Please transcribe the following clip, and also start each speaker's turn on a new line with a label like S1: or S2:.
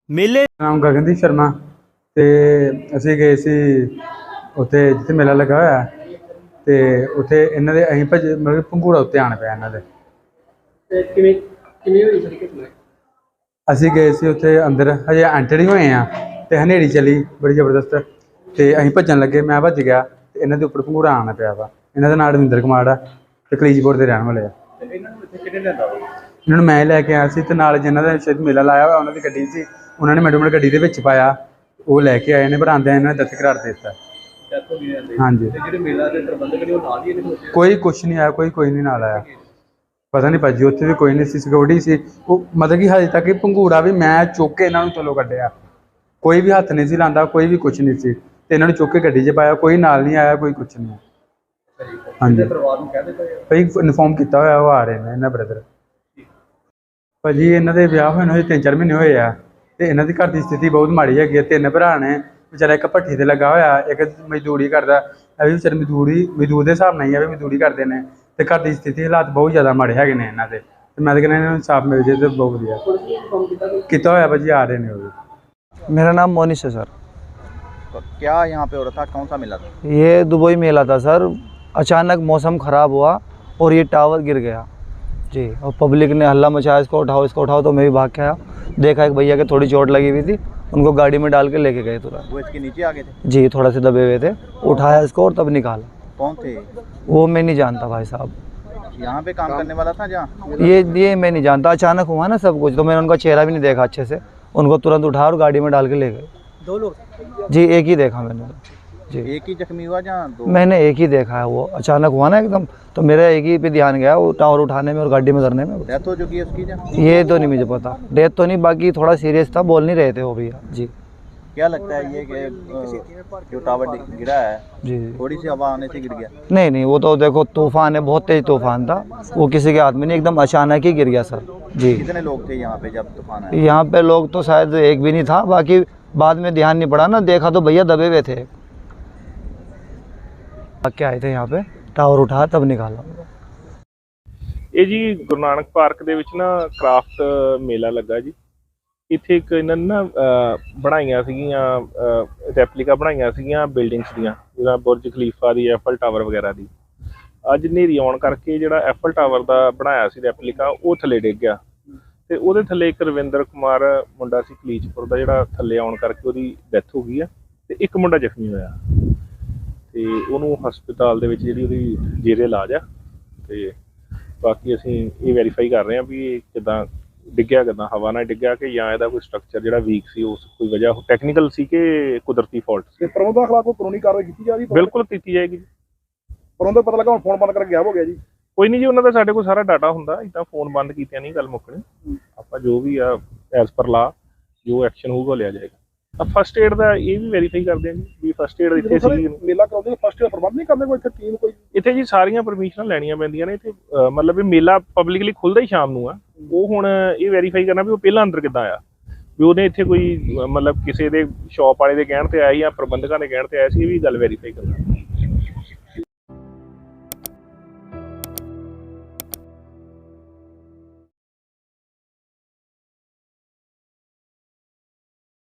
S1: ਮੇਲੇ
S2: ਨਾਮ ਗਗਨਦੀਪ ਸ਼ਰਮਾ ਤੇ ਅਸੀਂ ਗਏ ਸੀ ਉੱਥੇ ਜਿੱਥੇ ਮੇਲਾ ਲੱਗਾ ਹੋਇਆ ਤੇ ਉੱਥੇ ਇਹਨਾਂ ਦੇ ਅਸੀਂ ਮਤਲਬ ਪੰਘੂੜਾ ਉੱਤੇ ਆਣ ਪਿਆ ਇਹਨਾਂ ਦੇ।
S3: ਕਿਵੇਂ ਕਿਵੇਂ ਹੋਈ ਸਰ ਘਟਨਾ?
S2: ਅਸੀਂ ਗਏ ਸੀ ਉੱਥੇ ਅੰਦਰ ਹਜੇ ਐਂਟਰ ਹੀ ਹੋਏ ਆ ਤੇ ਹਨੇਰੀ ਚੱਲੀ ਬੜੀ ਜ਼ਬਰਦਸਤ ਤੇ ਅਸੀਂ ਭੱਜਣ ਲੱਗੇ, ਮੈਂ ਭੱਜ ਗਿਆ ਤੇ ਇਹਨਾਂ ਦੇ ਉੱਪਰ ਪੰਘੂੜਾ ਆਉਣਾ ਪਿਆ ਵਾ। ਇਹਨਾਂ ਦਾ ਨਾਂ ਰਵਿੰਦਰ ਕੁਮਾਰ ਆ ਤੇ ਕਲੀਜਪੁਰ ਦੇ ਰਹਿਣ ਵਾਲੇ ਆ।
S3: ਇਹਨਾਂ ਨੂੰ ਇੱਥੇ ਕਿਹਨੇ ਲਿਆਂਦਾ?
S2: ਇਹਨਾਂ ਨੂੰ ਮੈਂ ਲੈ ਕੇ ਆਇਆ ਸੀ ਤੇ ਨਾਲ ਜਿਨ੍ਹਾਂ ਦਾ ਸ਼ਾਇਦ ਮੇਲਾ ਲਾਇਆ ਹੋਇਆ ਉਹਨਾਂ ਦੀ ਗੱਡੀ ਸੀ, ਉਹਨਾਂ ਨੇ ਮੈਡਮ ਗੱਡੀ ਦੇ ਵਿੱਚ ਪਾਇਆ, ਉਹ ਲੈ ਕੇ ਆਏ ਨੇ ਪਰ ਆਉਂਦਿਆਂ ਇਹਨਾਂ ਨੇ ਦਸਤ ਕਰਾਰ ਦੇ ਦਿੱਤਾ।
S3: ਡੈਥ ਹੋ ਗਈ ਜਾਂਦੀ।
S2: ਹਾਂਜੀ,
S3: ਤੇ ਜਿਹੜੇ ਮੇਲਾ ਦੇ ਪ੍ਰਬੰਧਕ ਨੇ ਉਹ ਨਾਲ ਹੀ ਇਹਦੇ ਵਿੱਚ?
S2: ਕੋਈ ਕੁਛ ਨਹੀਂ ਆਇਆ, ਕੋਈ ਨਹੀਂ ਨਾਲ ਆਇਆ। ਪਤਾ ਨਹੀਂ ਭਾਜੀ ਉੱਥੇ ਵੀ ਕੋਈ ਨਹੀਂ ਸੀ, ਸਿਕਿਉਰਿਟੀ ਸੀ ਉਹ। ਮਤਲਬ ਕਿ ਹਜੇ ਤੱਕ ਪੰਘੂੜਾ ਵੀ ਮੈਂ ਚੁੱਕ ਕੇ ਇਹਨਾਂ ਨੂੰ ਥੱਲੋਂ ਕੱਢਿਆ, ਕੋਈ ਵੀ ਹੱਥ ਨਹੀਂ ਸੀ ਲਾਉਂਦਾ, ਕੋਈ ਵੀ ਕੁਛ ਨਹੀਂ ਸੀ ਤੇ ਇਹਨਾਂ ਨੂੰ ਚੁੱਕ ਕੇ ਗੱਡੀ 'ਚ ਪਾਇਆ, ਕੋਈ ਨਾਲ ਨਹੀਂ ਆਇਆ, ਕੋਈ ਕੁਛ ਨਹੀਂ। ਹਾਂਜੀ,
S3: ਪਰਿਵਾਰ ਨੂੰ ਕਹਿ ਦਿੱਤਾ
S2: ਭਾਈ ਇਨਫੋਰਮ ਕੀਤਾ ਹੋਇਆ, ਉਹ ਆ ਰਹੇ ਨੇ ਇਹਨਾਂ ਬ੍ਰਦਰ। ਭਾਜੀ ਇਹਨਾਂ ਦੇ ਵਿਆਹ ਹੋਏ ਨੂੰ 3-4 ਮਹੀਨੇ ਹੋਏ ਆ ਤੇ ਇਹਨਾਂ ਦੀ ਘਰ ਦੀ ਸਥਿਤੀ ਬਹੁਤ ਮਾੜੀ ਹੈਗੀ ਹੈ। 3 ਭਰਾ ਨੇ, ਵਿਚਾਰਾ ਇੱਕ ਭੱਠੀ ਤੇ ਲੱਗਾ ਹੋਇਆ, ਇੱਕ ਮਜ਼ਦੂਰੀ ਕਰਦਾ। ਇਹ ਵੀ ਵਿਚਾਰੇ ਮਜ਼ਦੂਰ ਦੇ ਹਿਸਾਬ ਨਾਲ ਹੀ ਆ ਵੀ ਮਜ਼ਦੂਰੀ ਕਰਦੇ ਨੇ ਤੇ ਘਰ ਦੀ ਸਥਿਤੀ ਹਾਲਾਤ ਬਹੁਤ ਜ਼ਿਆਦਾ ਮਾੜੇ ਹੈਗੇ ਨੇ ਇਹਨਾਂ ਦੇ। ਤੇ ਮੈਂ ਤਾਂ ਕਹਿੰਦਾ ਇਹਨਾਂ ਨੂੰ ਇਨਸਾਫ ਮਿਲ ਜੇ ਤੇ ਬਹੁਤ ਵਧੀਆ ਕੀਤਾ ਹੋਇਆ। ਭਾਜੀ ਆ ਰਹੇ ਨੇ ਉਹ भी।
S4: मेरा नाम मोनिश है सर।
S5: तो क्या यहाँ पे हो रहा था, कौन सा मेला था?
S4: ये दुबई मेला था सर। अचानक मौसम ख़राब हुआ और ये टावर गिर गया जी, और पब्लिक ने हल्ला मचाया, इसको उठाओ। तो मैं भी भाग के आया, देखा एक भैया के थोड़ी चोट लगी हुई थी, उनको गाड़ी में डाल के लेके गए तुरंत।
S5: वो इसके नीचे आ गए थे?
S4: जी, थोड़ा से दबे हुए थे, उठाया इसको और तब निकाला।
S5: कौन थे?
S4: वो मैं नहीं जानता भाई साहब,
S5: यहाँ पे काम करने वाला था जहाँ?
S4: ये मैं नहीं जानता। अचानक हुआ ना सब कुछ, तो मैंने उनका चेहरा भी नहीं देखा अच्छे से। उनको तुरंत उठाया और गाड़ी में डाल के ले गए।
S3: 2 लोग?
S4: जी, एक ही देखा मैंने जी।
S5: एक ही जख्मी हुआ जहाँ? 2?
S4: मैंने एक ही देखा है, वो अचानक हुआ ना एकदम, तो मेरा एक ही पे ध्यान गया, वो टावर उठाने में और गाड़ी में करने में।
S5: डेथ हो चुकी है उसकी जहाँ?
S4: ये तो नहीं मुझे पता, डेथ तो नहीं, बाकी थोड़ा सीरियस था, बोल नहीं रहे थे वो भैया जी।
S5: क्या लगता है ये कि जो टावर गिरा है
S4: जी
S5: थोड़ी सी हवा आने से गिर गया?
S4: नहीं, वो तो देखो तूफान है, बहुत तेज तूफान था, वो किसी के हाथ में नहीं, एकदम अचानक ही गिर गया सर जी।
S5: कितने लोग थे यहाँ पे जब तूफान आया?
S4: यहाँ पे लोग तो शायद एक भी नहीं था, बाकी बाद में ध्यान नहीं पड़ा ना, देखा तो भैया दबे हुए थे। क्या आए थे यहाँ पे, टावर उठाया तब निकाला।
S6: ਇਹ ਜੀ ਗੁਰੂ ਨਾਨਕ ਪਾਰਕ ਦੇ ਵਿੱਚ ਨਾ ਕ੍ਰਾਫਟ ਮੇਲਾ ਲੱਗਾ ਜੀ। ਇੱਥੇ ਇੱਕ ਇਹਨਾਂ ਨੇ ਨਾ ਬਣਾਈਆਂ ਸੀਗੀਆਂ ਰੈਪਲੀਕਾ ਬਣਾਈਆਂ ਸੀਗੀਆਂ ਬਿਲਡਿੰਗਸ ਦੀਆਂ, ਜਿੱਦਾਂ ਬੁਰਜ ਖਲੀਫਾ ਦੀ, ਐਫਲ ਟਾਵਰ ਵਗੈਰਾ ਦੀ। ਅੱਜ ਹਨੇਰੀ ਆਉਣ ਕਰਕੇ ਜਿਹੜਾ ਐਫਲ ਟਾਵਰ ਦਾ ਬਣਾਇਆ ਸੀ ਰੈਪਲੀਕਾ, ਉਹ ਥੱਲੇ ਡਿੱਗ ਗਿਆ ਤੇ ਉਹਦੇ ਥੱਲੇ ਇੱਕ ਰਵਿੰਦਰ ਕੁਮਾਰ ਮੁੰਡਾ ਸੀ ਕਲੀਚਪੁਰ ਦਾ, ਜਿਹੜਾ ਥੱਲੇ ਆਉਣ ਕਰਕੇ ਉਹਦੀ ਡੈਥ ਹੋ ਗਈ ਆ ਤੇ ਇੱਕ ਮੁੰਡਾ ਜ਼ਖਮੀ ਹੋਇਆ ਤੇ ਉਹਨੂੰ ਹਸਪਤਾਲ ਦੇ ਵਿੱਚ ਜਿਹੜੀ ਉਹਦੀ ਜੇਰੇ ਇਲਾਜ ਆ। ਤੇ ਬਾਕੀ ਅਸੀਂ ਇਹ ਵੈਰੀਫਾਈ ਕਰ ਰਹੇ ਹਾਂ ਵੀ ਇਹ ਕਿੱਦਾਂ ਡਿੱਗਿਆ, ਕਿੱਦਾਂ ਹਵਾ ਨਾਲ ਡਿੱਗਿਆ ਕਿ ਜਾਂ ਇਹਦਾ ਕੋਈ ਸਟਰਕਚਰ ਜਿਹੜਾ ਵੀਕ ਸੀ, ਉਸ ਕੋਈ ਵਜ੍ਹਾ ਟੈਕਨੀਕਲ ਸੀ ਕਿ ਕੁਦਰਤੀ ਫਾਲਟ ਸੀ।
S3: ਪ੍ਰਬੰਧਕ ਖਿਲਾਫ ਕੋਈ ਕਾਨੂੰਨੀ ਕਾਰਵਾਈ ਕੀਤੀ ਜਾ ਰਹੀ?
S6: ਬਿਲਕੁਲ ਕੀਤੀ ਜਾਏਗੀ।
S3: ਪ੍ਰਬੰਧਕ ਪਤਾ ਲੱਗਾ ਹੁਣ ਫੋਨ ਬੰਦ ਕਰਕੇ ਗਾਇਬ ਹੋ ਗਿਆ ਜੀ।
S6: ਕੋਈ ਨਹੀਂ ਜੀ, ਉਹਨਾਂ ਦਾ ਸਾਡੇ ਕੋਲ ਸਾਰਾ ਡਾਟਾ ਹੁੰਦਾ, ਇੱਦਾਂ ਫੋਨ ਬੰਦ ਕੀਤਿਆਂ ਨਹੀਂ ਗੱਲ ਮੁੱਕਣੀ। ਆਪਾਂ ਜੋ ਵੀ ਆ ਐਜ਼ ਪਰ ਲਾ ਜੋ ਐਕਸ਼ਨ ਹੋਊਗਾ ਲਿਆ ਜਾਏਗਾ। ਫਸਟ ਏਡ ਦਾ ਇਹ ਵੀ ਵੈਰੀਫਾਈ ਕਰਦੇ ਹਾਂ ਜੀ ਵੀ ਫਸਟ ਏਡ ਇੱਥੇ ਸੀ।
S3: ਮੇਲਾ ਕਰਾਉਂਦੇ ਫਸਟ ਏਡ ਪ੍ਰਬੰਧ ਨਹੀਂ ਕਰਦੇ ਕੋਈ ਇੱਥੇ ਟੀਮ ਕੋਈ?
S6: ਇੱਥੇ ਜੀ ਸਾਰੀਆਂ ਪਰਮਿਸ਼ਨਾਂ ਲੈਣੀਆਂ ਪੈਂਦੀਆਂ ਨੇ ਇੱਥੇ। ਮਤਲਬ ਵੀ ਮੇਲਾ ਪਬਲਿਕਲੀ ਖੁੱਲ੍ਹਦਾ ਹੀ ਸ਼ਾਮ ਨੂੰ ਆ। ਉਹ ਹੁਣ ਇਹ ਵੈਰੀਫਾਈ ਕਰਨਾ ਵੀ ਉਹ ਪਹਿਲਾਂ ਅੰਦਰ ਕਿੱਦਾਂ ਆਇਆ, ਵੀ ਉਹਨੇ ਇੱਥੇ ਕੋਈ ਮਤਲਬ ਕਿਸੇ ਦੇ ਸ਼ੌਪ ਵਾਲੇ ਦੇ ਕਹਿਣ ਤੇ ਆਇਆ ਜਾਂ ਪ੍ਰਬੰਧਕਾਂ ਦੇ ਕਹਿਣ ਤੇ ਆਇਆ ਸੀ, ਇਹ ਵੀ ਗੱਲ ਵੈਰੀਫਾਈ ਕਰਨਾ।